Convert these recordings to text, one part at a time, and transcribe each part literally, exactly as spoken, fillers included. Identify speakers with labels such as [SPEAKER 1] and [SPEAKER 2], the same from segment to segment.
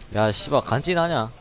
[SPEAKER 1] 야 씨발 간지나냐?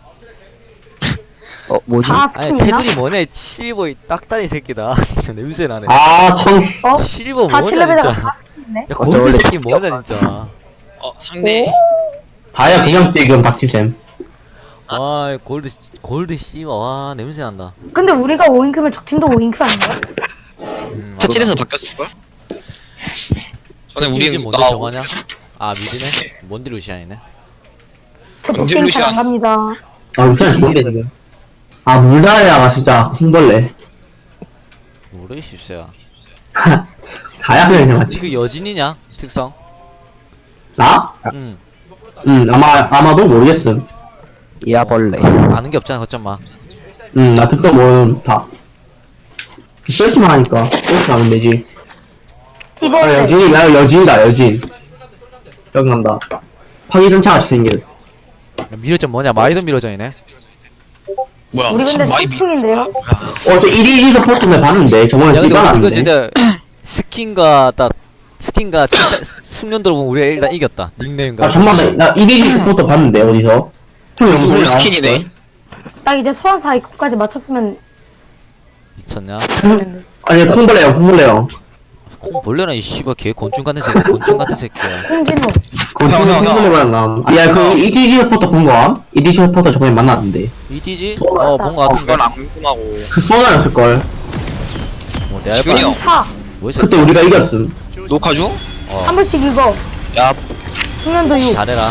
[SPEAKER 2] 어 뭐지?
[SPEAKER 3] 다
[SPEAKER 1] 아니
[SPEAKER 3] 스킨이나?
[SPEAKER 1] 테두리 뭐냐 실버 이 딱다리 새끼다. 진짜 냄새나네.
[SPEAKER 4] 아, 천.
[SPEAKER 3] 어?
[SPEAKER 1] 실버
[SPEAKER 3] 다
[SPEAKER 1] 뭐냐
[SPEAKER 3] 칠레벨이라
[SPEAKER 1] 진짜.
[SPEAKER 3] 다 스킨이네?
[SPEAKER 1] 야 골드 새끼 뭐냐 진짜.
[SPEAKER 5] 어 상대
[SPEAKER 4] 다야 그냥 지금 닥치셈.
[SPEAKER 1] 아 골드 골드 씨발 와 냄새난다.
[SPEAKER 3] 근데 우리가 오인큐면 적팀도 오인큐 아닌가?
[SPEAKER 1] 음,
[SPEAKER 5] 파칠에서 바뀌었을걸? 전에 우리
[SPEAKER 1] 지금 뭔데
[SPEAKER 5] 나
[SPEAKER 1] 정하냐? 아 미드네? 뭔데 루시안이네?
[SPEAKER 3] 저
[SPEAKER 5] 언제
[SPEAKER 3] 복갱
[SPEAKER 5] 루시안?
[SPEAKER 3] 잘안 갑니다.
[SPEAKER 4] 아, 그냥 좋은데, 지금. 아, 물다야가 진짜 홍벌레.
[SPEAKER 1] 모르 십세야.
[SPEAKER 4] 다야 그냥 그냥 맞지.
[SPEAKER 1] 이거 여진이냐? 특성?
[SPEAKER 4] 나?
[SPEAKER 1] 응.
[SPEAKER 4] 응, 아마, 아마도 모르겠음.
[SPEAKER 2] 이아벌레.
[SPEAKER 1] 아는 게 없잖아 거점마.
[SPEAKER 4] 응, 나 특성 모르는 다. 썰시만 하니까, 그렇게 하면 되지. 아,
[SPEAKER 3] 찌벌레.
[SPEAKER 4] 여진이, 나 여진이다, 여진. 여기 간다. 파기전차 같이 생긴.
[SPEAKER 1] 미러전 뭐냐? 마이던 미러전이네.
[SPEAKER 5] 뭐야
[SPEAKER 3] 우리 근데
[SPEAKER 5] 마이비
[SPEAKER 3] 삼충인데요?
[SPEAKER 4] 어, 저 일 위 서포트는 봤는데, 저번에
[SPEAKER 1] 야 근데 우리 이거
[SPEAKER 4] 찍어놨는데.
[SPEAKER 1] 진짜 스킨과 딱 스킨과 진짜 숙련도로 보면 우리가 일단 이겼다. 닉네임과.
[SPEAKER 4] 아, 잠깐만, 나 일 위 서포트 봤는데, 어디서? 형 영상에
[SPEAKER 5] 올
[SPEAKER 4] 나왔을
[SPEAKER 5] 스킨이네
[SPEAKER 4] 걸?
[SPEAKER 3] 딱 이제 소환 사이코까지 맞췄으면
[SPEAKER 1] 미쳤냐?
[SPEAKER 3] 되는데.
[SPEAKER 4] 아니, 콩벌레요, 콩벌레요.
[SPEAKER 1] 콩 벌레나 이 씨발 개 곤충 같은 새끼. 곤충 같은 새끼야.
[SPEAKER 3] 홍진호.
[SPEAKER 4] 그건
[SPEAKER 5] 형,
[SPEAKER 4] 콩-
[SPEAKER 5] 형, 형.
[SPEAKER 4] 콩벌레만 남. 야, 그, 이디지 서포터 본 거야? 이디지 서포터 저번에 만났는데.
[SPEAKER 1] 이디지? 어, 본 거 같은데.
[SPEAKER 5] 그건 안 궁금하고
[SPEAKER 4] 그 써놨을걸.
[SPEAKER 1] 뭐, 내가
[SPEAKER 5] 준이 형
[SPEAKER 3] 타.
[SPEAKER 1] 뭐
[SPEAKER 4] 그때 우리가 이겼음.
[SPEAKER 5] 녹화 중?
[SPEAKER 3] 한 번씩 이거.
[SPEAKER 5] 야
[SPEAKER 3] 숙련도 육.
[SPEAKER 1] 잘해라.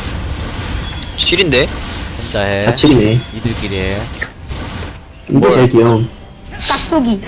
[SPEAKER 5] 실인데?
[SPEAKER 1] 혼자 해.
[SPEAKER 4] 다칠이네.
[SPEAKER 1] 이들끼리 해.
[SPEAKER 4] 이거 제일 귀여움.
[SPEAKER 3] 깍두기.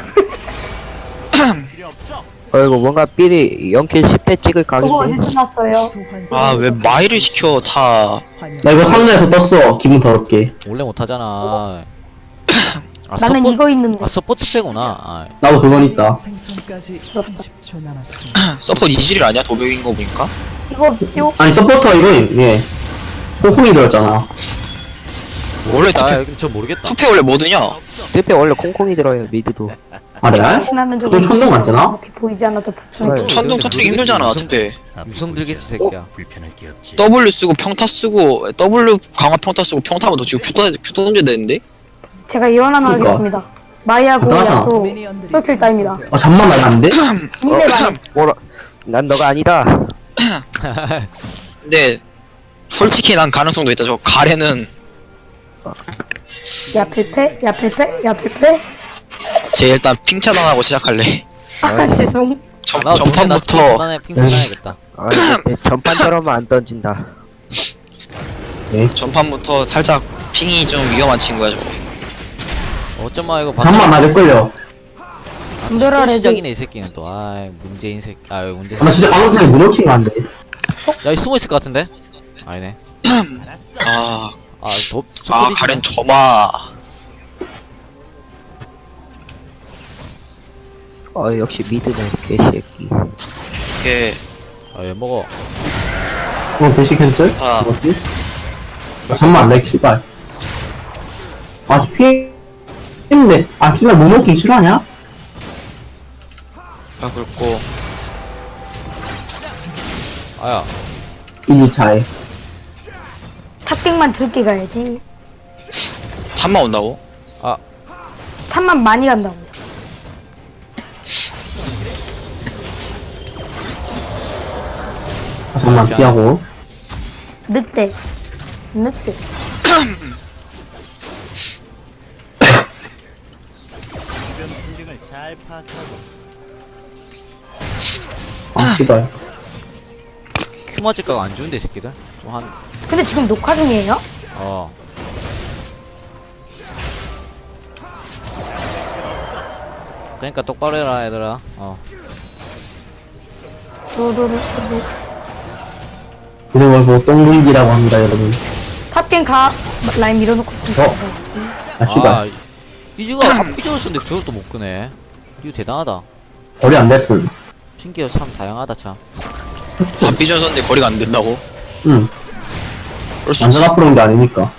[SPEAKER 2] 어이구 뭔가 삘이 영 킬 십 대 찍을
[SPEAKER 3] 그거
[SPEAKER 2] 각인데.
[SPEAKER 3] 어디서 났어요?
[SPEAKER 5] 아 왜 마이를 시켜 다
[SPEAKER 4] 나 이거 상자에서 떴어. 기분 더럽게.
[SPEAKER 1] 원래 못하잖아. 아,
[SPEAKER 3] 나는
[SPEAKER 1] 서포...
[SPEAKER 3] 이거 있는데.
[SPEAKER 1] 아, 서포트 빼구나. 아,
[SPEAKER 4] 나도 그건 있다.
[SPEAKER 6] 생선까지 삼십 초 남았습니다.
[SPEAKER 5] 서포 이질이 아니야 도벽인 거 보니까?
[SPEAKER 3] 이거 지옥.
[SPEAKER 4] 아니, 서포터 이거, 예. 호콩이 들었잖아.
[SPEAKER 5] 원래
[SPEAKER 1] 아,
[SPEAKER 5] 투페,
[SPEAKER 1] 여긴 저 모르겠다.
[SPEAKER 5] 투페 원래 뭐드냐?
[SPEAKER 2] 특히 원래 콩콩이 들어요 미드도.
[SPEAKER 4] 아, 레알?
[SPEAKER 3] 지나는 적
[SPEAKER 4] 또 천둥 맞잖아?
[SPEAKER 3] 어떻게 보이지 않아도 북충.
[SPEAKER 2] 네.
[SPEAKER 5] 천둥 터트리기 힘들잖아
[SPEAKER 1] 무슨-
[SPEAKER 5] 투페
[SPEAKER 1] 유성 들겠지, 새끼야.
[SPEAKER 5] W 쓰고 평타 쓰고 W 강화 평타 쓰고 평타면 너 지금 큐, 던져- 큐 던져야 되는데?
[SPEAKER 3] 제가 예언 하나
[SPEAKER 4] 그러니까.
[SPEAKER 3] 하겠습니다. 마이하고
[SPEAKER 4] 대단하다.
[SPEAKER 3] 야소 서킬 따입니다.
[SPEAKER 4] 아, 잠만 날랐는데?
[SPEAKER 3] 인내 말.
[SPEAKER 2] 뭐라? 난 너가 아니다.
[SPEAKER 5] 근데 솔직히 난 가능성도 있다 저 가래는
[SPEAKER 3] 야 필패? 야 필패? 야 필패?
[SPEAKER 5] 쟤 일단 핑 차단하고 시작할래
[SPEAKER 3] 아 죄송.
[SPEAKER 5] 전,
[SPEAKER 1] 나
[SPEAKER 5] 전판부터
[SPEAKER 1] 전판에 핑크 쳐야겠다.
[SPEAKER 2] 아 이제 전판처럼은 안 던진다.
[SPEAKER 5] 전판부터 살짝 핑이 좀 위험한 친구야 저거
[SPEAKER 1] 어쩌마 이거
[SPEAKER 4] 잠만 맞을걸요.
[SPEAKER 3] 덤벼라,
[SPEAKER 1] 또
[SPEAKER 3] 레드.
[SPEAKER 1] 시작이네 이 새끼는 또. 아이 문재인 새끼. 아 문재.
[SPEAKER 4] 아, 나 진짜 방금 전에 문어킹 한데.
[SPEAKER 1] 야이 숨어 있을 것 같은데? 아니네.
[SPEAKER 5] 아,
[SPEAKER 1] 아 도.
[SPEAKER 5] 아 가렌 저마
[SPEAKER 2] 어 역시 미드네 개새끼.
[SPEAKER 5] 이게
[SPEAKER 1] 아얘 먹어.
[SPEAKER 4] 어, 배시 캔슬?
[SPEAKER 5] 다.
[SPEAKER 4] 뭐지? 아, 잠만, 렉, 씨발. 아, 피해. 했는데. 아, 진짜 문어킹 싫어하냐?
[SPEAKER 5] 아 그렇고
[SPEAKER 1] 아야.
[SPEAKER 4] 이지 차에.
[SPEAKER 3] 탑갱만 들게 가야지.
[SPEAKER 5] 탑만 온다고?
[SPEAKER 3] 탑만 많이 간다고.
[SPEAKER 4] 아, 잠만, 피하고.
[SPEAKER 3] 늑대. 늑대.
[SPEAKER 4] 아, 씨발.
[SPEAKER 1] 큐 맞을 거가 안 좋은데 이 새끼들. 좀 한.
[SPEAKER 3] 근데 지금 녹화 중이에요?
[SPEAKER 1] 어. 그러니까 똑바로 해라 얘들아. 어.
[SPEAKER 3] 도도로
[SPEAKER 4] 이런 걸 보고 똥굴기라고 합니다, 여러분.
[SPEAKER 3] 탑갱 가. 라인 밀어놓고.
[SPEAKER 4] 어? 아, 씨발.
[SPEAKER 1] 아, 이즈가 앞비전을 썼는데 저걸 또 못 끄네. 이거 대단하다.
[SPEAKER 4] 거리 안 됐음.
[SPEAKER 1] 신기해 참 다양하다 참.
[SPEAKER 5] 앞비전 썼는데 거리가 안 된다고?
[SPEAKER 4] 응.
[SPEAKER 5] 그럴 수 있지
[SPEAKER 4] 완전 앞으로 온 게 아니니까.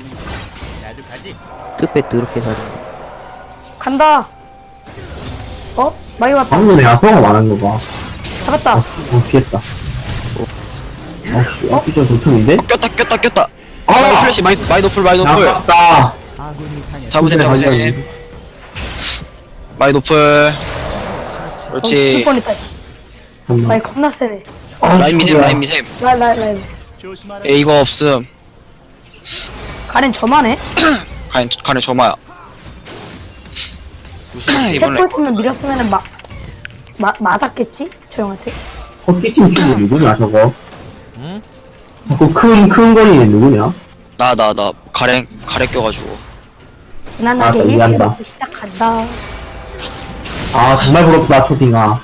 [SPEAKER 2] 특히 더럽게 사는.
[SPEAKER 3] 간다. 어? 마이 왔다.
[SPEAKER 4] 방금 내가 소화가 많은 거 봐.
[SPEAKER 3] 잡았다.
[SPEAKER 4] 어, 피했다. 어, 씨, 앞뒤 좀 도통인데?
[SPEAKER 5] 꼈다 꼈다 꼈다 마이
[SPEAKER 4] 아!
[SPEAKER 5] 플래시 마이 마이 노플 마이 노플
[SPEAKER 4] 아깝다.
[SPEAKER 6] 아군이 당했습니다.
[SPEAKER 5] 잡으셈 잡으셈
[SPEAKER 4] 완전히.
[SPEAKER 5] 마이 노플
[SPEAKER 3] 죽을
[SPEAKER 5] 그렇지
[SPEAKER 3] 뻔했다.
[SPEAKER 4] 잠깐만.
[SPEAKER 3] 마이 겁나 세네.
[SPEAKER 4] 아,
[SPEAKER 5] 라인 미셈
[SPEAKER 4] 씨발.
[SPEAKER 5] 라인 미셈
[SPEAKER 3] 라인 라인 라인.
[SPEAKER 5] 에 이거 없음
[SPEAKER 3] 가렌 저만해.
[SPEAKER 5] 가는 가는 조마야 이번에
[SPEAKER 3] 탭포였으면 밀었으면은 막 마, 맞았겠지? 저 형한테.
[SPEAKER 4] 커피팀 친구 누구냐, 저거?
[SPEAKER 1] 응?
[SPEAKER 4] 자꾸 큰, 큰 거리는 누구냐?
[SPEAKER 5] 나 나 나 가래 가래 껴가지고
[SPEAKER 3] 무난하게
[SPEAKER 4] 아,
[SPEAKER 3] 일
[SPEAKER 4] 이해한다.
[SPEAKER 3] 킬로 시작한다.
[SPEAKER 4] 아, 정말 부럽다, 초딩아.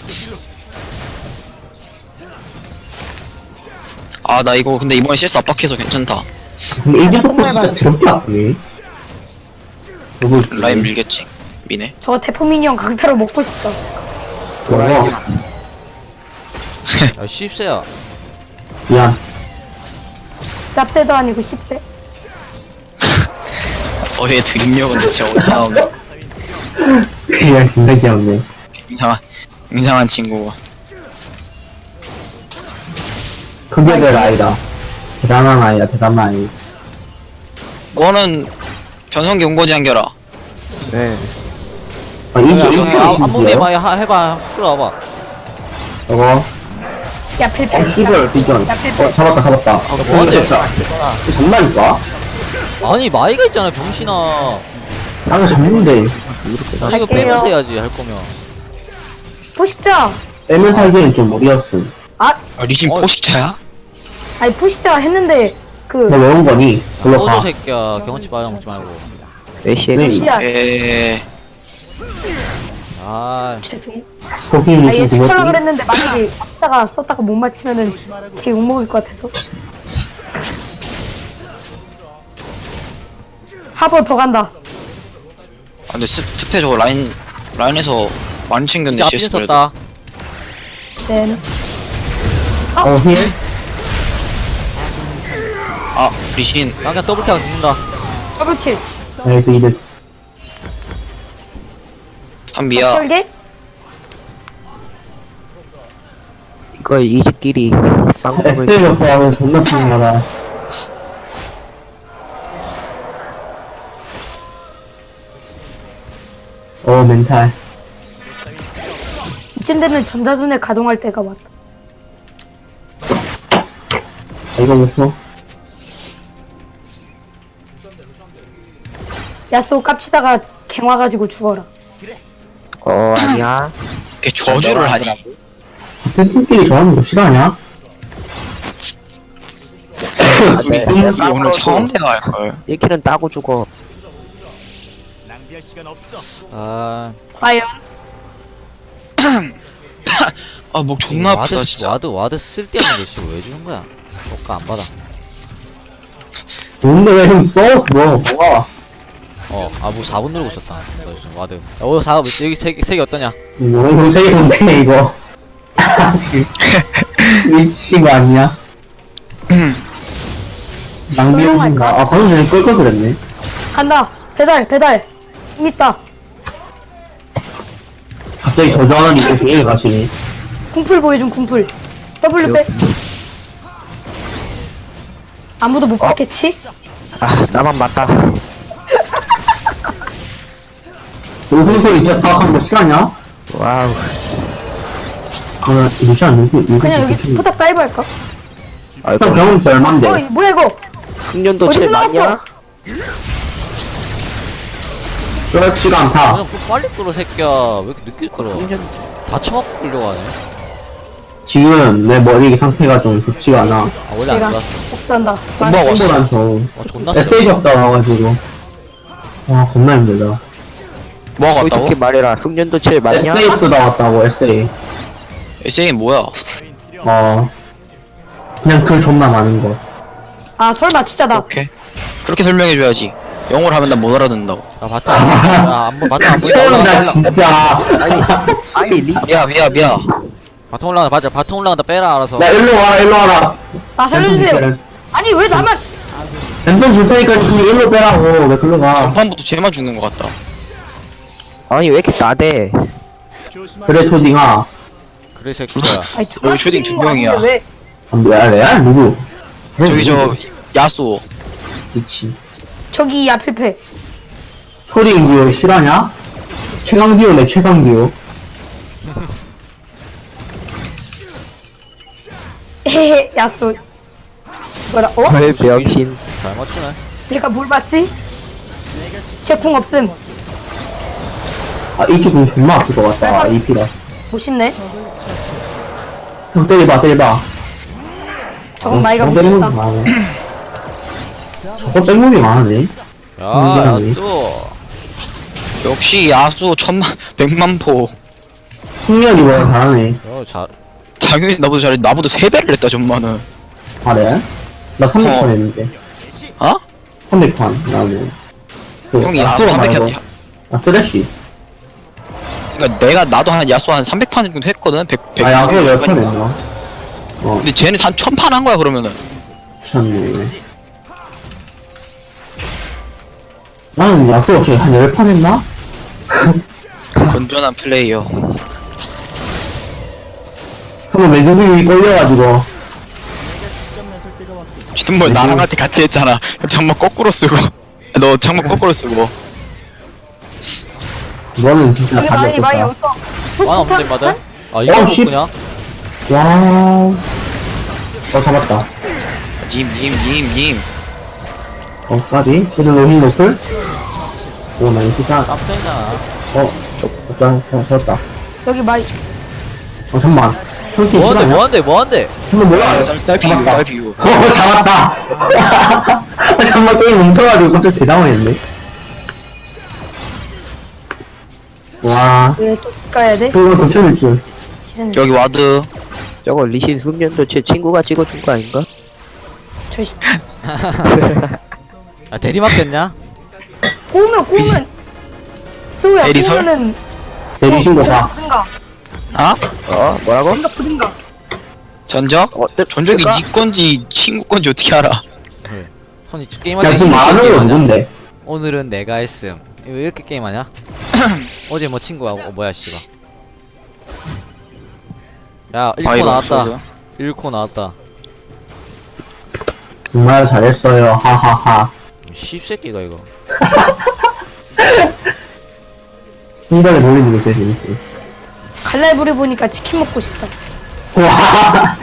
[SPEAKER 5] 아 나 이거 근데 이번에 실수 압박해서 괜찮다
[SPEAKER 4] 근데 이제 속도 진짜 더럽게 아프네. 저거,
[SPEAKER 5] 라인 밀겠지 미네
[SPEAKER 3] 저거 대포 미니언 강타로 먹고 싶다.
[SPEAKER 4] 저거,
[SPEAKER 1] 야 십세야.
[SPEAKER 4] 미안.
[SPEAKER 3] 짭대도 아니고 십 대.
[SPEAKER 5] 어얘 드립력은 대체 어디서 나오나
[SPEAKER 4] 그냥 진짜 귀엽네.
[SPEAKER 5] 굉장한 굉장한 친구
[SPEAKER 4] 크게 될 아이다. 대단한 아이다, 대단한 아이.
[SPEAKER 5] 너는 변성기 온 거지 한결아
[SPEAKER 2] 네.
[SPEAKER 4] 아, 이제
[SPEAKER 1] 야,
[SPEAKER 4] 이거
[SPEAKER 1] 야, 한 몸에
[SPEAKER 4] 심지어?
[SPEAKER 1] 봐 하- 해봐. 끌어와봐.
[SPEAKER 4] 저거,
[SPEAKER 3] 야 필필.
[SPEAKER 4] 어, 씨발, 비전.
[SPEAKER 3] 야 필필.
[SPEAKER 4] 어, 잡았다, 잡았다. 어,
[SPEAKER 1] 뭐하는데?
[SPEAKER 4] 잡았다. 이거 장난일까?
[SPEAKER 1] 아니 마이가 있잖아 병신아.
[SPEAKER 4] 나가 잡는데.
[SPEAKER 1] 아니 이거
[SPEAKER 3] 갈게요.
[SPEAKER 1] 빼면서 해야지 할 거면.
[SPEAKER 3] 포식자.
[SPEAKER 4] 빼면서 하기엔 좀 무리였음.
[SPEAKER 3] 아
[SPEAKER 5] 아, 리신
[SPEAKER 1] 어.
[SPEAKER 5] 포식자야?
[SPEAKER 3] 아니 포식자 했는데 그
[SPEAKER 4] 너 왜 온 거니? 글로
[SPEAKER 1] 꺼져
[SPEAKER 4] 가.
[SPEAKER 1] 새끼야. 경험치 빠져 먹지 말고.
[SPEAKER 2] 메시에
[SPEAKER 4] 네.
[SPEAKER 3] 시야.
[SPEAKER 5] 에
[SPEAKER 1] 아
[SPEAKER 3] 죄송.
[SPEAKER 4] 거기는
[SPEAKER 3] 아얘
[SPEAKER 4] 지금
[SPEAKER 3] 축하라
[SPEAKER 4] 그거
[SPEAKER 3] 그랬는데 만약에 썼다가 썼다가 못 맞히면은 걔 욕먹을 것 같아서. 하버 더 간다.
[SPEAKER 5] 아 근데 스, 스페 저거 라인 라인에서 많이
[SPEAKER 1] 이제
[SPEAKER 5] 챙겼네
[SPEAKER 1] 앞뒤
[SPEAKER 5] 실수 그래도
[SPEAKER 1] 썼다.
[SPEAKER 3] 네.
[SPEAKER 4] 어, 힐?
[SPEAKER 5] 아 리신
[SPEAKER 1] 나 그냥 더블 캐가 죽는다.
[SPEAKER 3] 더블킬.
[SPEAKER 4] 나이스 이득.
[SPEAKER 5] 한비야
[SPEAKER 3] 설계?
[SPEAKER 2] 이거 이즈끼리 쌍둥을
[SPEAKER 4] 에스엘 옆에 존나 푸는거다. 어, 멘탈.
[SPEAKER 3] 이쯤 되면 전자손에 가동할 때가 왔다.
[SPEAKER 4] 아, 이거 무서워.
[SPEAKER 3] 야쏘 깝치다가 갱 와가지고 죽어라.
[SPEAKER 2] 어 아니야.
[SPEAKER 5] 걔 저주를 하니
[SPEAKER 4] 같은 팀끼리 좋아하는 거 싫어하냐?
[SPEAKER 2] 네.
[SPEAKER 5] 우리 오늘 처음 대화 할걸
[SPEAKER 2] 일 킬은 따고 죽어.
[SPEAKER 1] 아
[SPEAKER 3] 과연?
[SPEAKER 5] 아 목 존나 아프다
[SPEAKER 1] 와드
[SPEAKER 5] 진짜
[SPEAKER 1] 와드 와드 쓸데없는 거 씨 왜 주는 거야? 저가 안 받아.
[SPEAKER 4] 뭔데 왜 형 써? 그거 뭐야?
[SPEAKER 1] 어, 아, 뭐 사 분 누르고 있었다. 너 지금 와드. 야, 어, 사, 여기 세, 개- 색이 어떠냐?
[SPEAKER 4] 이거 세이던데 이거. 미친 거 아니야? 낭비용인가? 아 방금 전에 끌걸 그랬네.
[SPEAKER 3] 간다. 배달 배달. 힘 있다.
[SPEAKER 4] 갑자기 저장하니 이거 제일 가시네.
[SPEAKER 3] 궁풀 보여준 궁풀. W 빼. 아무도 못 봤겠지?
[SPEAKER 2] 아 나만 맞다.
[SPEAKER 4] 요소소 진짜 사악한 거 싫어하냐?
[SPEAKER 2] 와우.
[SPEAKER 4] 아, 루시안 누구, 누구,
[SPEAKER 3] 그냥 여기 포탑 다이브 할까?
[SPEAKER 2] 아
[SPEAKER 4] 일단
[SPEAKER 2] 이거
[SPEAKER 4] 병은 저 얼만데?
[SPEAKER 3] 어이 뭐야 이거?
[SPEAKER 2] 숙련도
[SPEAKER 3] 어디서
[SPEAKER 2] 제일
[SPEAKER 3] 나왔어?
[SPEAKER 2] 많냐?
[SPEAKER 4] 그렇지가 않다.
[SPEAKER 1] 그냥 좀 빨리 끌어, 새끼야. 왜 이렇게 늦게 끌어?
[SPEAKER 2] 숙련
[SPEAKER 1] 다 쳐먹고 끌려가네.
[SPEAKER 4] 지금 내 머리 상태가 좀 좋지가 않아.
[SPEAKER 1] 아, 원래 안
[SPEAKER 3] 내가
[SPEAKER 1] 좋았어.
[SPEAKER 3] 복수한다.
[SPEAKER 5] 금방 왔어
[SPEAKER 4] 난 저,
[SPEAKER 1] 와, 존나 세.
[SPEAKER 4] 에스에이 적다 와가지고. 와, 겁나 힘들다.
[SPEAKER 5] 뭐가 같다고?
[SPEAKER 2] 솔직히 말해라. 숙련도 제일 많냐?
[SPEAKER 4] 에스에이 쓰다 왔다고, 에스에이.
[SPEAKER 5] 에스에이 뭐야
[SPEAKER 4] 어. 그냥 글 존나 많은 거.
[SPEAKER 3] 아 설마 진짜 나.
[SPEAKER 5] 오케이 그렇게 설명해줘야지 영어를 하면 난 못 알아듣는다고
[SPEAKER 1] 아, 바텀. 야, 안 보, 바텀 안 보인다. 올라가,
[SPEAKER 4] 나
[SPEAKER 1] 올라가.
[SPEAKER 4] 진짜.
[SPEAKER 2] 아니 리
[SPEAKER 5] 미야 미야 미야
[SPEAKER 1] 바텀 올라간다. 맞아. 바텀 올라간다. 빼라, 알아서.
[SPEAKER 4] 나 일로 와, 일로 와라.
[SPEAKER 3] 아 살려주세요. 아니 왜 나만?
[SPEAKER 4] 랜턴 줄 테니까 니 일로 빼라고. 왜 글로 가.
[SPEAKER 5] 전판부터 쟤만 죽는 것 같다
[SPEAKER 2] 아니 왜 이렇게 나대?
[SPEAKER 4] 그래, 초딩아.
[SPEAKER 1] 그래, 새끼야.
[SPEAKER 3] 아니
[SPEAKER 5] 여기 초딩 두 명이야.
[SPEAKER 3] 왜?
[SPEAKER 4] 아, 뭐야, 레알? 누구?
[SPEAKER 5] 저기 저 야쏘.
[SPEAKER 4] 미친.
[SPEAKER 3] 저기 앞에 패.
[SPEAKER 4] 초딩 듀오 실화냐? 최강 듀오네 최강 듀오.
[SPEAKER 3] 헤헤 야쏘. 뭐라 어?
[SPEAKER 2] 헐 병신.
[SPEAKER 1] 잘 맞추네.
[SPEAKER 3] 내가 뭘 봤지? 제 궁 없음.
[SPEAKER 4] 아 이쪽 공 존나 아플 것 같다. 이피가.
[SPEAKER 3] 멋있네.
[SPEAKER 4] 형 때려봐 때려봐.
[SPEAKER 3] 저건 마이가
[SPEAKER 4] 저거 때리는 거
[SPEAKER 3] 못했다.
[SPEAKER 4] 많네. 저거 땡물이 많네.
[SPEAKER 1] 야,
[SPEAKER 4] 음,
[SPEAKER 1] 야또
[SPEAKER 5] 역시 야쏘 천만 백만 포.
[SPEAKER 4] 승렬이 뭐야 잘하네.
[SPEAKER 1] 어, 잘.
[SPEAKER 5] 당연히 나보다 잘해. 나보다 세 배를 했다 전만은.
[SPEAKER 4] 아 그래? 나 삼백 판
[SPEAKER 5] 어.
[SPEAKER 4] 했는데.
[SPEAKER 5] 어?
[SPEAKER 4] 삼백 판 나는. 그
[SPEAKER 5] 형이
[SPEAKER 4] 야쏘
[SPEAKER 5] 야쏘 삼백
[SPEAKER 4] 말고.
[SPEAKER 5] 했.
[SPEAKER 4] 아 쓰레쉬.
[SPEAKER 5] 그러니까 내가 나도 한 야쏘 한 삼백 판 정도 했거든. 백 백.
[SPEAKER 4] 아 야쏘 열판 했나? 어
[SPEAKER 5] 근데 쟤는 한 천 판 한 거야 그러면은.
[SPEAKER 4] 참네. 나는 야쏘 혹시 한 열 판 했나?
[SPEAKER 5] 건전한 플레이어.
[SPEAKER 4] 한번 매듭이 걸려가지고.
[SPEAKER 5] 지금 뭐 나랑 할 때 같이 했잖아. 장막 거꾸로 쓰고. 너 장막 거꾸로 쓰고.
[SPEAKER 4] 너는 진짜
[SPEAKER 3] 여기
[SPEAKER 4] 답이
[SPEAKER 3] 많이 많이
[SPEAKER 4] 없었다.
[SPEAKER 3] 없어.
[SPEAKER 1] 만 없는데 마들? 아
[SPEAKER 4] 어,
[SPEAKER 1] 이거
[SPEAKER 4] 씨.
[SPEAKER 1] 그냥?
[SPEAKER 4] 와우. 어 잡았다.
[SPEAKER 5] 님, 님, 님, 님.
[SPEAKER 4] 어 까비. 쟤들 로힌 노플. 오 나이스 샷.
[SPEAKER 1] 깜짝이잖아.
[SPEAKER 4] 어 저, 저, 잡았다.
[SPEAKER 3] 여기 많이.
[SPEAKER 4] 어 잠만. 형팀
[SPEAKER 1] 뭐한데
[SPEAKER 4] 실화냐?
[SPEAKER 1] 뭐한데 뭐한데?
[SPEAKER 4] 한번 몰라.
[SPEAKER 5] 딸피 유, 딸피 유.
[SPEAKER 4] 어 잡았다. 잠만 게임 멈춰가지고 갑자기 대당황했네. 와.
[SPEAKER 3] 왜또 가야 돼?
[SPEAKER 4] 그거 덮쳐줄 줄.
[SPEAKER 5] 여기 와드.
[SPEAKER 2] 저거 리신 숙련도 제 친구가 찍어준 거 아닌가?
[SPEAKER 3] 저 씨.
[SPEAKER 1] 아 대리 맡겼냐?
[SPEAKER 3] 꼬우면 꼬우면. 스우야
[SPEAKER 5] 대리설?
[SPEAKER 3] 꼬우면은.
[SPEAKER 4] 대리신 거 봐.
[SPEAKER 3] 부든가.
[SPEAKER 5] 아?
[SPEAKER 2] 어 뭐라고?
[SPEAKER 3] 부든가 부든가.
[SPEAKER 5] 전적?
[SPEAKER 2] 어, 뜨-
[SPEAKER 5] 전적이
[SPEAKER 2] 뜨까?
[SPEAKER 5] 니 건지 친구 건지 어떻게 알아?
[SPEAKER 1] 그래. 손이 게임할
[SPEAKER 4] 야
[SPEAKER 1] 때
[SPEAKER 4] 지금
[SPEAKER 1] 이렇게
[SPEAKER 4] 말하는 건
[SPEAKER 1] 게임하냐?
[SPEAKER 4] 누군데?
[SPEAKER 1] 오늘은 내가 했음. 이거 왜 이렇게 게임하냐? 어제 뭐 친구하고 어, 뭐야 씨가. 야 일 코
[SPEAKER 5] 이거
[SPEAKER 1] 나왔다.
[SPEAKER 5] 없어도.
[SPEAKER 1] 일 코 나왔다.
[SPEAKER 4] 정말 잘했어요. 하하하.
[SPEAKER 1] 씹새끼가 이거.
[SPEAKER 4] 순간에 몰리는 게 제일 재밌어.
[SPEAKER 3] 갈날부리 보니까 치킨 먹고 싶다.
[SPEAKER 4] 와.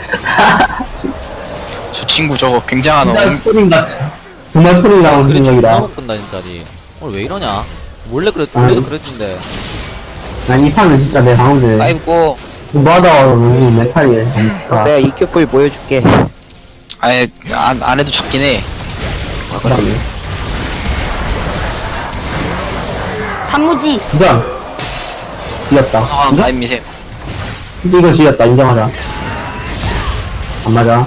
[SPEAKER 5] 저 친구 저거 굉장한
[SPEAKER 4] 진짜
[SPEAKER 5] 어,
[SPEAKER 4] 초딩가. 정말 초딩다운
[SPEAKER 1] 그래 존나
[SPEAKER 4] 생각이다.
[SPEAKER 1] 못 본다 진짜 니. 오늘 왜 이러냐? 원래 그랬 원래도
[SPEAKER 4] 아니.
[SPEAKER 1] 그랬던데.
[SPEAKER 4] 난 이 판은 진짜 내 방금
[SPEAKER 5] 아이고.
[SPEAKER 4] 뭐하다가 너무 메탈이에. 아,
[SPEAKER 2] 내가 이큐풀 보여줄게.
[SPEAKER 5] 아예 안, 안 해도 잡긴 해.
[SPEAKER 4] 그러네.
[SPEAKER 3] 단무지.
[SPEAKER 4] 부장. 지렸다.
[SPEAKER 5] 상황
[SPEAKER 4] 인정?
[SPEAKER 5] 타임 미셈.
[SPEAKER 4] 근데 이거 지렸다. 인정하자. 안 맞아.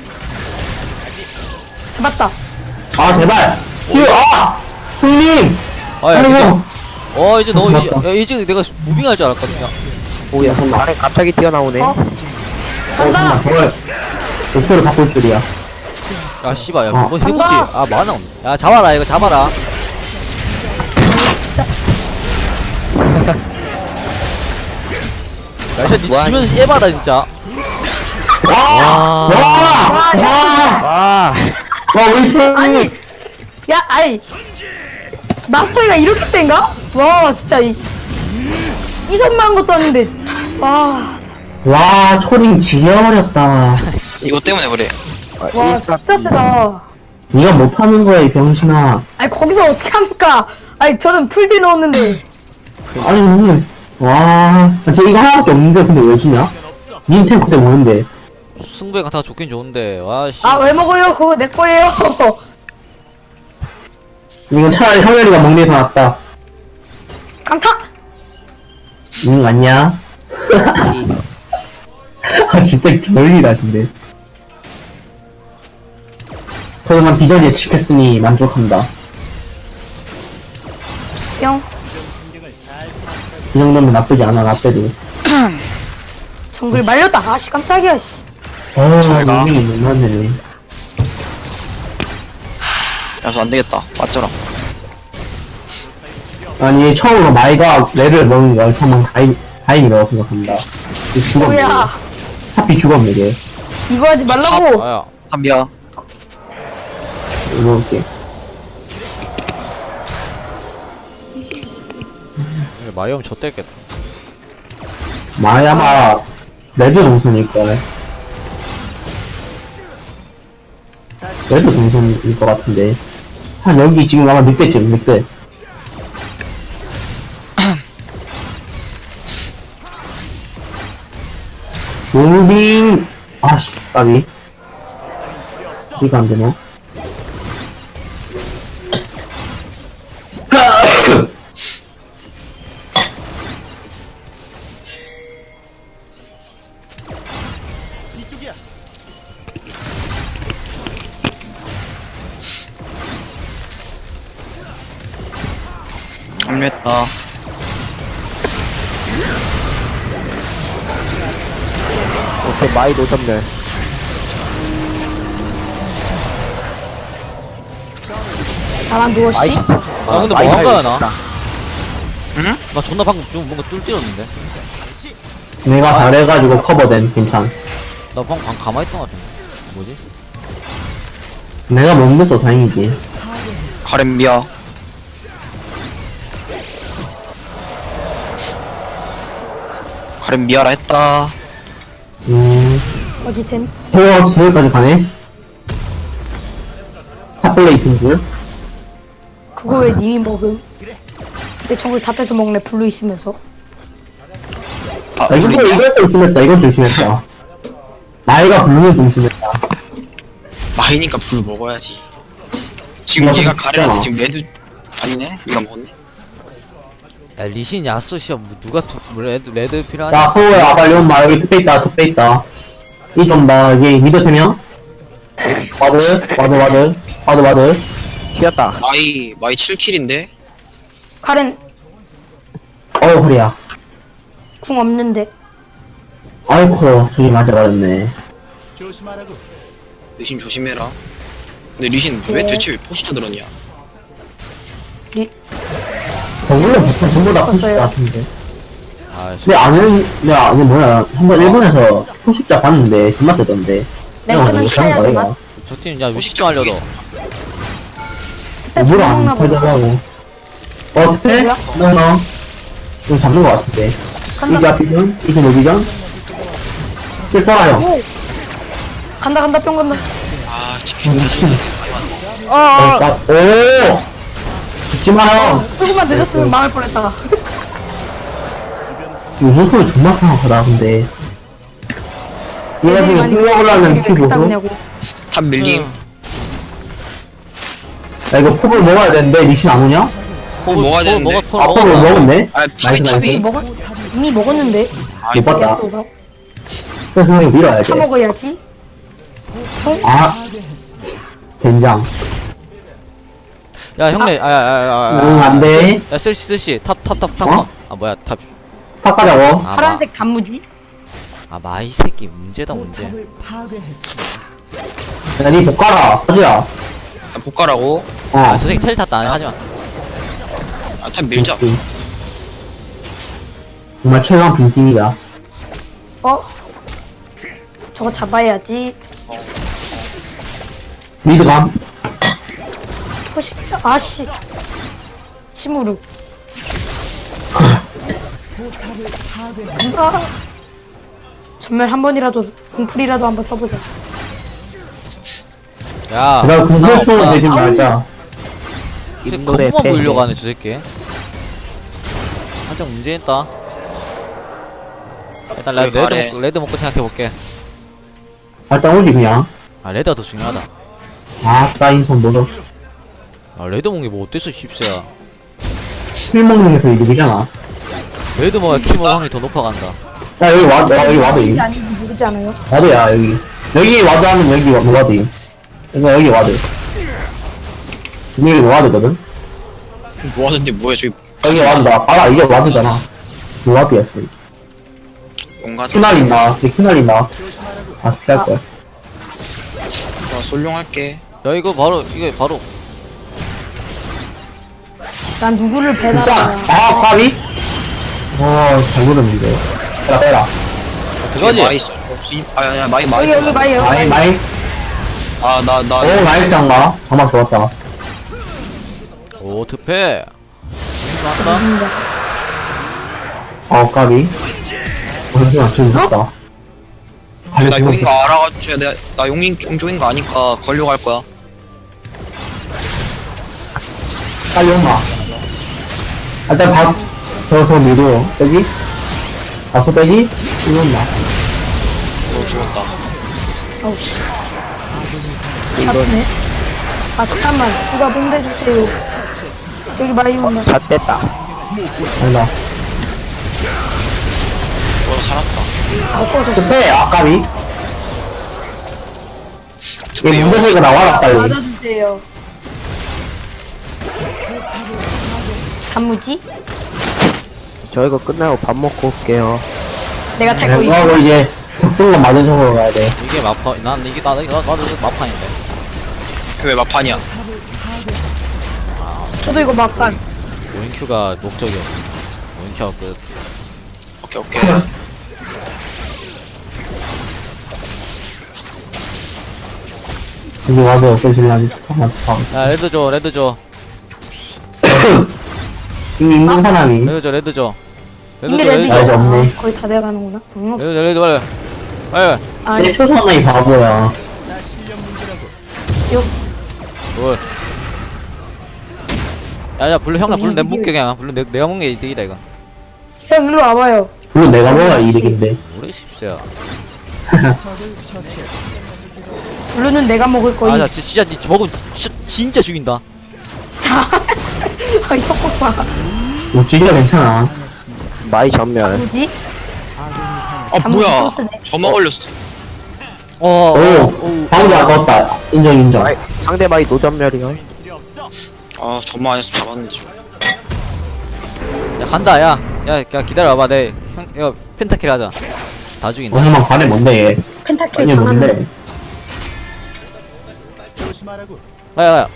[SPEAKER 3] 잡았다.
[SPEAKER 4] 아 제발. 휴. 아. 형님.
[SPEAKER 1] 아야
[SPEAKER 4] 아이고.
[SPEAKER 1] 이제. 어 이제 너
[SPEAKER 4] 잡았다.
[SPEAKER 1] 이- 야, 이제 내가 무빙할 줄 알았거든요.
[SPEAKER 2] 오야 안에 갑자기 튀어나오네.
[SPEAKER 3] 어?
[SPEAKER 4] 어
[SPEAKER 3] 간다.
[SPEAKER 4] 잠깐만. 저걸 목표를 바꿀 줄이야.
[SPEAKER 1] 야 씨발 야
[SPEAKER 4] 어.
[SPEAKER 1] 뭐 해보지.
[SPEAKER 3] 간다.
[SPEAKER 1] 아 만화 없네. 야 잡아라 이거 잡아라. 야 진짜 니
[SPEAKER 2] 뭐하니?
[SPEAKER 1] 지면 에바다 진짜.
[SPEAKER 4] 와.
[SPEAKER 1] 와.
[SPEAKER 4] 와. 와.
[SPEAKER 2] 와
[SPEAKER 4] 와 우리 팀.
[SPEAKER 3] 아니. 야 아이. 마스터이가 이렇게 센가? 와 진짜 이. 이선만 것도 아닌데. 와.
[SPEAKER 4] 와 초딩 지려버렸다.
[SPEAKER 5] 이거 때문에 그래.
[SPEAKER 3] 와 진짜 세다.
[SPEAKER 4] 네가 못하는 거야 이 병신아.
[SPEAKER 3] 아니 거기서 어떻게 합니까? 아니 저는 풀디 넣었는데.
[SPEAKER 4] 아니 무슨 와. 쟤 이거 하나밖에 없는데 근데 왜 지냐? 닌 탱크 때 뭐는데?
[SPEAKER 1] 승부에 가다가 좋긴 좋은데 와씨.
[SPEAKER 3] 아 왜 먹어요? 그거 내 거예요.
[SPEAKER 4] 이건 차라리 형열이가 먹는 게 더 낫다.
[SPEAKER 3] 강타.
[SPEAKER 4] 응 맞냐? 아 진짜 결리다 근데. 그동안 비전 예측했으니 만족한다.
[SPEAKER 3] 영.
[SPEAKER 4] 이 정도면 나쁘지 않아 나 때도.
[SPEAKER 3] 정글 말렸다. 아씨 깜짝이야 씨.
[SPEAKER 4] 어
[SPEAKER 5] 잘 가.
[SPEAKER 4] 인생이 너무하네.
[SPEAKER 5] 야서 안 되겠다. 맞잖아.
[SPEAKER 4] 아니 처음으로 마이가 레를 먹는 거야. 처음 다행 다행이라고 생각합니다. 이 죽었네.
[SPEAKER 3] 뭐야?
[SPEAKER 4] 하필 죽었네 얘.
[SPEAKER 3] 이거 하지 말라고.
[SPEAKER 1] 아야.
[SPEAKER 5] 한비야.
[SPEAKER 4] 먹을게.
[SPEAKER 1] 이게 마이엄 좆됐겠다.
[SPEAKER 4] 마야마 레드 동선일걸. 레드 동선일 것 같은데. 한 여기 지금 아마 늑대쯤, 늑대. 무빙! 아씨, 까비. 이거 안 되네.
[SPEAKER 5] 합류했다.
[SPEAKER 2] 오케이, 마이 노점멸.
[SPEAKER 3] 나만 누워
[SPEAKER 2] 마이
[SPEAKER 3] 씨.
[SPEAKER 2] 진짜.
[SPEAKER 1] 아 근데
[SPEAKER 2] 마이
[SPEAKER 1] 뭐 한거야
[SPEAKER 2] 잘
[SPEAKER 1] 나?
[SPEAKER 5] 응?
[SPEAKER 1] 나 존나 방금 좀 뭔가 뚫 뛰었는데?
[SPEAKER 4] 내가 잘해가지고 커버된, 괜찮.
[SPEAKER 1] 나 방금 방 가만히 있던 것 같은데 뭐지?
[SPEAKER 4] 내가 못 늦어 다행이지.
[SPEAKER 5] 가렘 미아. 가렘 미아라 했다.
[SPEAKER 4] 음,
[SPEAKER 3] 어디 템?
[SPEAKER 4] 헤어 저기까지 가네? 탑플레이트인 줄?
[SPEAKER 3] 그거 왜 님이 먹음? 내 정글 다 뺏어 먹네 블루 있으면서.
[SPEAKER 5] 아,
[SPEAKER 4] 아, 이거,
[SPEAKER 5] 불리냐?
[SPEAKER 4] 이건 좀 심했다, 이건 좀 심했다. 나이가 부르면 좀 심했다.
[SPEAKER 5] 마이니까 불 먹어야지. 지금
[SPEAKER 4] 이거
[SPEAKER 5] 얘가
[SPEAKER 4] 진짜.
[SPEAKER 5] 가렘한테 지금 레드 아니네? 이거 먹었네.
[SPEAKER 1] 야 리신 야쏘 씨야 뭐 누가 투, 뭐 레드 레드 필요하냐?
[SPEAKER 4] 야, 서우야, 빨리 온마. 여기 투페 있다, 투페 있다. 이 좀 봐, 여기 미드 세 명. 와드, 와드, 와드, 와드, 와드.
[SPEAKER 2] 튀었다.
[SPEAKER 5] 마이 마이 칠 킬인데
[SPEAKER 3] 카렌
[SPEAKER 4] 어우, 허리야.
[SPEAKER 3] 궁 없는데.
[SPEAKER 4] 아이코, 저기 맞아버렸네.
[SPEAKER 5] 리신 조심해라. 근데 리신 왜
[SPEAKER 3] 네.
[SPEAKER 5] 대체 왜 포시타 들었냐?
[SPEAKER 4] 정글로 보통 전부 다 푸실
[SPEAKER 3] 없어요.
[SPEAKER 4] 것 같은데.
[SPEAKER 1] 아씨
[SPEAKER 4] 근데 아는, 내가 아는 뭐야, 한번 일본에서 푸십자 봤는데, 존나 세던데.
[SPEAKER 3] 랭크는
[SPEAKER 4] 못한
[SPEAKER 3] 차야
[SPEAKER 4] 거야,
[SPEAKER 3] 되나?
[SPEAKER 4] 이거.
[SPEAKER 1] 저팀 야 위식 알려도
[SPEAKER 4] 오브로 안
[SPEAKER 3] 먹나 보다.
[SPEAKER 4] 털더라고. 어, 투페?
[SPEAKER 3] 뭐야?
[SPEAKER 4] 너너. 좀 잡는 것 같은데.
[SPEAKER 3] 간다.
[SPEAKER 4] 이게 앞이전? 이게 노비전? 실 쏘아요.
[SPEAKER 3] 오. 간다 간다 뿅 간다.
[SPEAKER 5] 아 치킨
[SPEAKER 4] 미친.
[SPEAKER 3] 어. 어.
[SPEAKER 4] 어, 나- 오! 죽지 마요!
[SPEAKER 3] 조금만 늦었으면 망할 뻔했다.
[SPEAKER 4] 요소 소리 존나 생각하다, 근데. 얘가 지금 힐러블라는 키 보소?
[SPEAKER 3] 냐고
[SPEAKER 5] 탑 밀림.
[SPEAKER 4] 야, 이거 폭을 먹어야 되는데, 리신 안 오냐?
[SPEAKER 5] 호 먹어야 되는데.
[SPEAKER 1] 먹어
[SPEAKER 4] 아, 폭을
[SPEAKER 1] 먹어
[SPEAKER 4] 먹었네?
[SPEAKER 5] 아
[SPEAKER 4] 나이스,
[SPEAKER 5] 탑이
[SPEAKER 4] 나이스.
[SPEAKER 5] 탑이.
[SPEAKER 3] 먹었 이미 먹었는데.
[SPEAKER 5] 아
[SPEAKER 4] 못 봤다.
[SPEAKER 3] 또
[SPEAKER 4] 그래서 형이 밀어야
[SPEAKER 3] 사
[SPEAKER 4] 돼.
[SPEAKER 3] 먹어야지.
[SPEAKER 4] 아, 된장.
[SPEAKER 1] 야 형네 아야야야
[SPEAKER 4] 응, 안 돼.
[SPEAKER 1] 야 쓸시 쓸시 탑탑탑탑
[SPEAKER 4] 어?
[SPEAKER 1] 아 뭐야 탑
[SPEAKER 4] 탑 가자고.
[SPEAKER 1] 아, 마,
[SPEAKER 3] 파란색 단무지.
[SPEAKER 1] 아 마이 새끼 문제다 문제
[SPEAKER 6] 포탑을 파괴했습니다.
[SPEAKER 4] 야, 니 복가라. 하지야.
[SPEAKER 5] 난 복가라고.
[SPEAKER 4] 어.
[SPEAKER 1] 아저 새끼 텔 탔다 하지마
[SPEAKER 5] 아탑 밀자.
[SPEAKER 4] 빈. 정말 최강 빈팅이다.
[SPEAKER 3] 어? 저거 잡아야지.
[SPEAKER 4] 미드감.
[SPEAKER 3] 호시 아씨. 시무르.
[SPEAKER 6] 포탑을 파괴했습니다.
[SPEAKER 3] 아. 전멸 한 번이라도 궁풀이라도 한번 써보자.
[SPEAKER 1] 야
[SPEAKER 4] 내가 공격총을
[SPEAKER 1] 없다.
[SPEAKER 4] 내지 말자.
[SPEAKER 1] 근데
[SPEAKER 2] 인물의
[SPEAKER 1] 거부만
[SPEAKER 2] 패.
[SPEAKER 1] 보이려고 하네 저 새끼 한정 문제 있다 일단 레드,
[SPEAKER 5] 왜 가래?
[SPEAKER 1] 레드, 먹고, 레드 먹고 생각해볼게
[SPEAKER 4] 일단 오지, 그냥.
[SPEAKER 1] 아 레드가 더 중요하다
[SPEAKER 4] 아, 따인 손 노려.
[SPEAKER 1] 아 레드 먹는 게 뭐 어때서 십세야
[SPEAKER 4] 술 먹는 게더 이득이잖아.
[SPEAKER 1] 레드 먹어야 키먹 확률이 더 높아간다
[SPEAKER 4] 야, 여기 와드, 야, 여기 와드.
[SPEAKER 3] 이게 아닌지 모르지 않아요?
[SPEAKER 4] 와드야, 여기. 여기 와드 하면 여기 와- 와드. 그러니까 여기 와드. 여기 와드거든?
[SPEAKER 5] 뭐 하던데 뭐야 저기.
[SPEAKER 4] 여기 와드다. 알아, 이게 와드잖아. 이 와드였어.
[SPEAKER 5] 뭔가
[SPEAKER 4] 키날린다. 이제 키날린다. 아, 피할 거야.
[SPEAKER 5] 나 솔룡할게.
[SPEAKER 1] 야 이거 바로 이거 바로
[SPEAKER 3] 난 누구를
[SPEAKER 4] 진짜,
[SPEAKER 3] 배달하냐.
[SPEAKER 4] 아, 까비? 어, 잘 모르는데. 빼라, 빼라.
[SPEAKER 1] 들어가지
[SPEAKER 5] 마이 쏘. 아야 마이 마이.
[SPEAKER 3] 여기 여기 마이 여기
[SPEAKER 4] 마이,
[SPEAKER 3] 마이.
[SPEAKER 4] 마이.
[SPEAKER 5] 아나나
[SPEAKER 4] 오, 나이스 장마. 장마 좋았다.
[SPEAKER 1] 오 특패 좋았다.
[SPEAKER 4] 어, 까비. 어, 잠시만, 지금 좋다.
[SPEAKER 5] 나 용인 거 알아가지고 내가 나 용인 용종인 거 아니까 걸려갈 거야.
[SPEAKER 4] 빨리 온마. 일단 밥, 저서 미도, 빼지? 밥도 빼지? 이거 온마.
[SPEAKER 5] 너 죽었다.
[SPEAKER 3] 아우 씨. 아프네. 아 잠깐만 누가 본대주세요. 저기 많이 온다.
[SPEAKER 2] 다 뗐다.
[SPEAKER 4] 아니다.
[SPEAKER 5] 너 살았다.
[SPEAKER 3] 아 꺼졌어.
[SPEAKER 4] 급해, 아, 까비. 얘
[SPEAKER 5] 특히 용
[SPEAKER 4] 문제가 나와라, 빨리.
[SPEAKER 3] 맞아주세요. 단무지?
[SPEAKER 2] 저 이거 끝나고 밥 먹고 올게요.
[SPEAKER 3] 내가 탈 거
[SPEAKER 4] 그거
[SPEAKER 3] 있어.
[SPEAKER 4] 하고 이제, 적중만 맞은 쪽으로 가야 돼.
[SPEAKER 1] 이게 마파 난 이게 나, 나, 나도 마판인데.
[SPEAKER 5] 왜 마판이야?
[SPEAKER 3] 저도 이거 막간.
[SPEAKER 1] 오인큐가 목적이었어. 오인큐가 끝.
[SPEAKER 5] 오케이 오케이.
[SPEAKER 4] 여기 와서 어떠실라니? 잠깐만, 잠깐만.
[SPEAKER 1] 야 레드 줘 레드 줘
[SPEAKER 4] 이미 있는 사람이.
[SPEAKER 1] 레드 줘 레드 줘. 레드
[SPEAKER 3] 이미
[SPEAKER 1] 줘 레드
[SPEAKER 3] 레디.
[SPEAKER 4] 아, 이제
[SPEAKER 1] 줘.
[SPEAKER 4] 없네.
[SPEAKER 3] 거의 다 돼가는구나. 응.
[SPEAKER 1] 레드 줘 레드 빨리. 빨리.
[SPEAKER 3] 아니
[SPEAKER 4] 내 초선의 바보야.
[SPEAKER 1] 뭘? 야야 블루 형나 블루 내 묶게 그냥 블루 내, 내가 먹는 게 이득이다 이거.
[SPEAKER 3] 형 일로 와봐요.
[SPEAKER 4] 물론 내가 먹어야 이득인데.
[SPEAKER 1] 우리 십세야.
[SPEAKER 6] 적을 처치했습니다.
[SPEAKER 3] 블루는 내가 먹을 거니.
[SPEAKER 1] 아자 진짜 니 먹으면 진짜, 진짜 죽인다.
[SPEAKER 3] 아 이거 봐.
[SPEAKER 4] 뭐, 진짜 괜찮아.
[SPEAKER 2] 마이 전멸.
[SPEAKER 3] 뭐지?
[SPEAKER 5] 아
[SPEAKER 3] 잠못
[SPEAKER 5] 뭐야?
[SPEAKER 3] 쓰네.
[SPEAKER 5] 저만 걸렸어.
[SPEAKER 1] 어.
[SPEAKER 4] 오, 방금 아까웠다. 인정, 인정.
[SPEAKER 2] 마이, 상대 마이 노전멸이요.
[SPEAKER 5] 아 저만 안 했으면 잡았는데 좀.
[SPEAKER 1] 야 간다 야. 야, 야 기다려봐 내 형, 야 펜타킬 하자. 다 죽인다.
[SPEAKER 4] 어, 형만 관에 뭔데, 얘?
[SPEAKER 3] 펜타킬
[SPEAKER 4] 아니,
[SPEAKER 3] 당하는.
[SPEAKER 4] 뭔데?
[SPEAKER 1] 야야 야.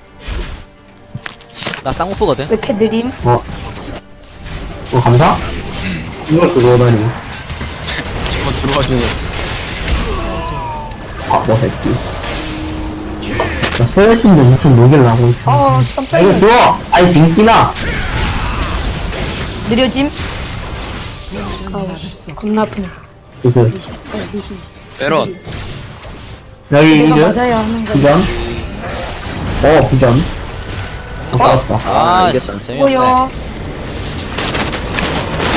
[SPEAKER 1] 나 쌍꺼풀거든.
[SPEAKER 3] 왜 이렇게 느림?
[SPEAKER 4] 어. 어, 감사? 이걸 들어오다니.
[SPEAKER 5] 저거 들어와주네.
[SPEAKER 4] 아, 뭐, 새끼. 나 서여신도 무슨 녹이를 하고 있어.
[SPEAKER 3] 어
[SPEAKER 4] 아, 이거
[SPEAKER 3] 깜짝이야.
[SPEAKER 4] 줘! 아니, 딩기나!
[SPEAKER 3] 느려짐. 아우 겁나 아프네.
[SPEAKER 4] 무슨.
[SPEAKER 5] 베런.
[SPEAKER 4] 여기,
[SPEAKER 3] 내가
[SPEAKER 4] 이제,
[SPEAKER 3] 맞아야 하는 거야.
[SPEAKER 4] 비전? 어, 비전. 아까웠다.
[SPEAKER 1] 아,
[SPEAKER 2] 이겼다.
[SPEAKER 1] 씨, 재미없네.
[SPEAKER 3] 뭐야?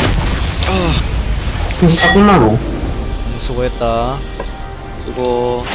[SPEAKER 4] 진짜 끝나고.
[SPEAKER 1] 수고했다.
[SPEAKER 5] 그거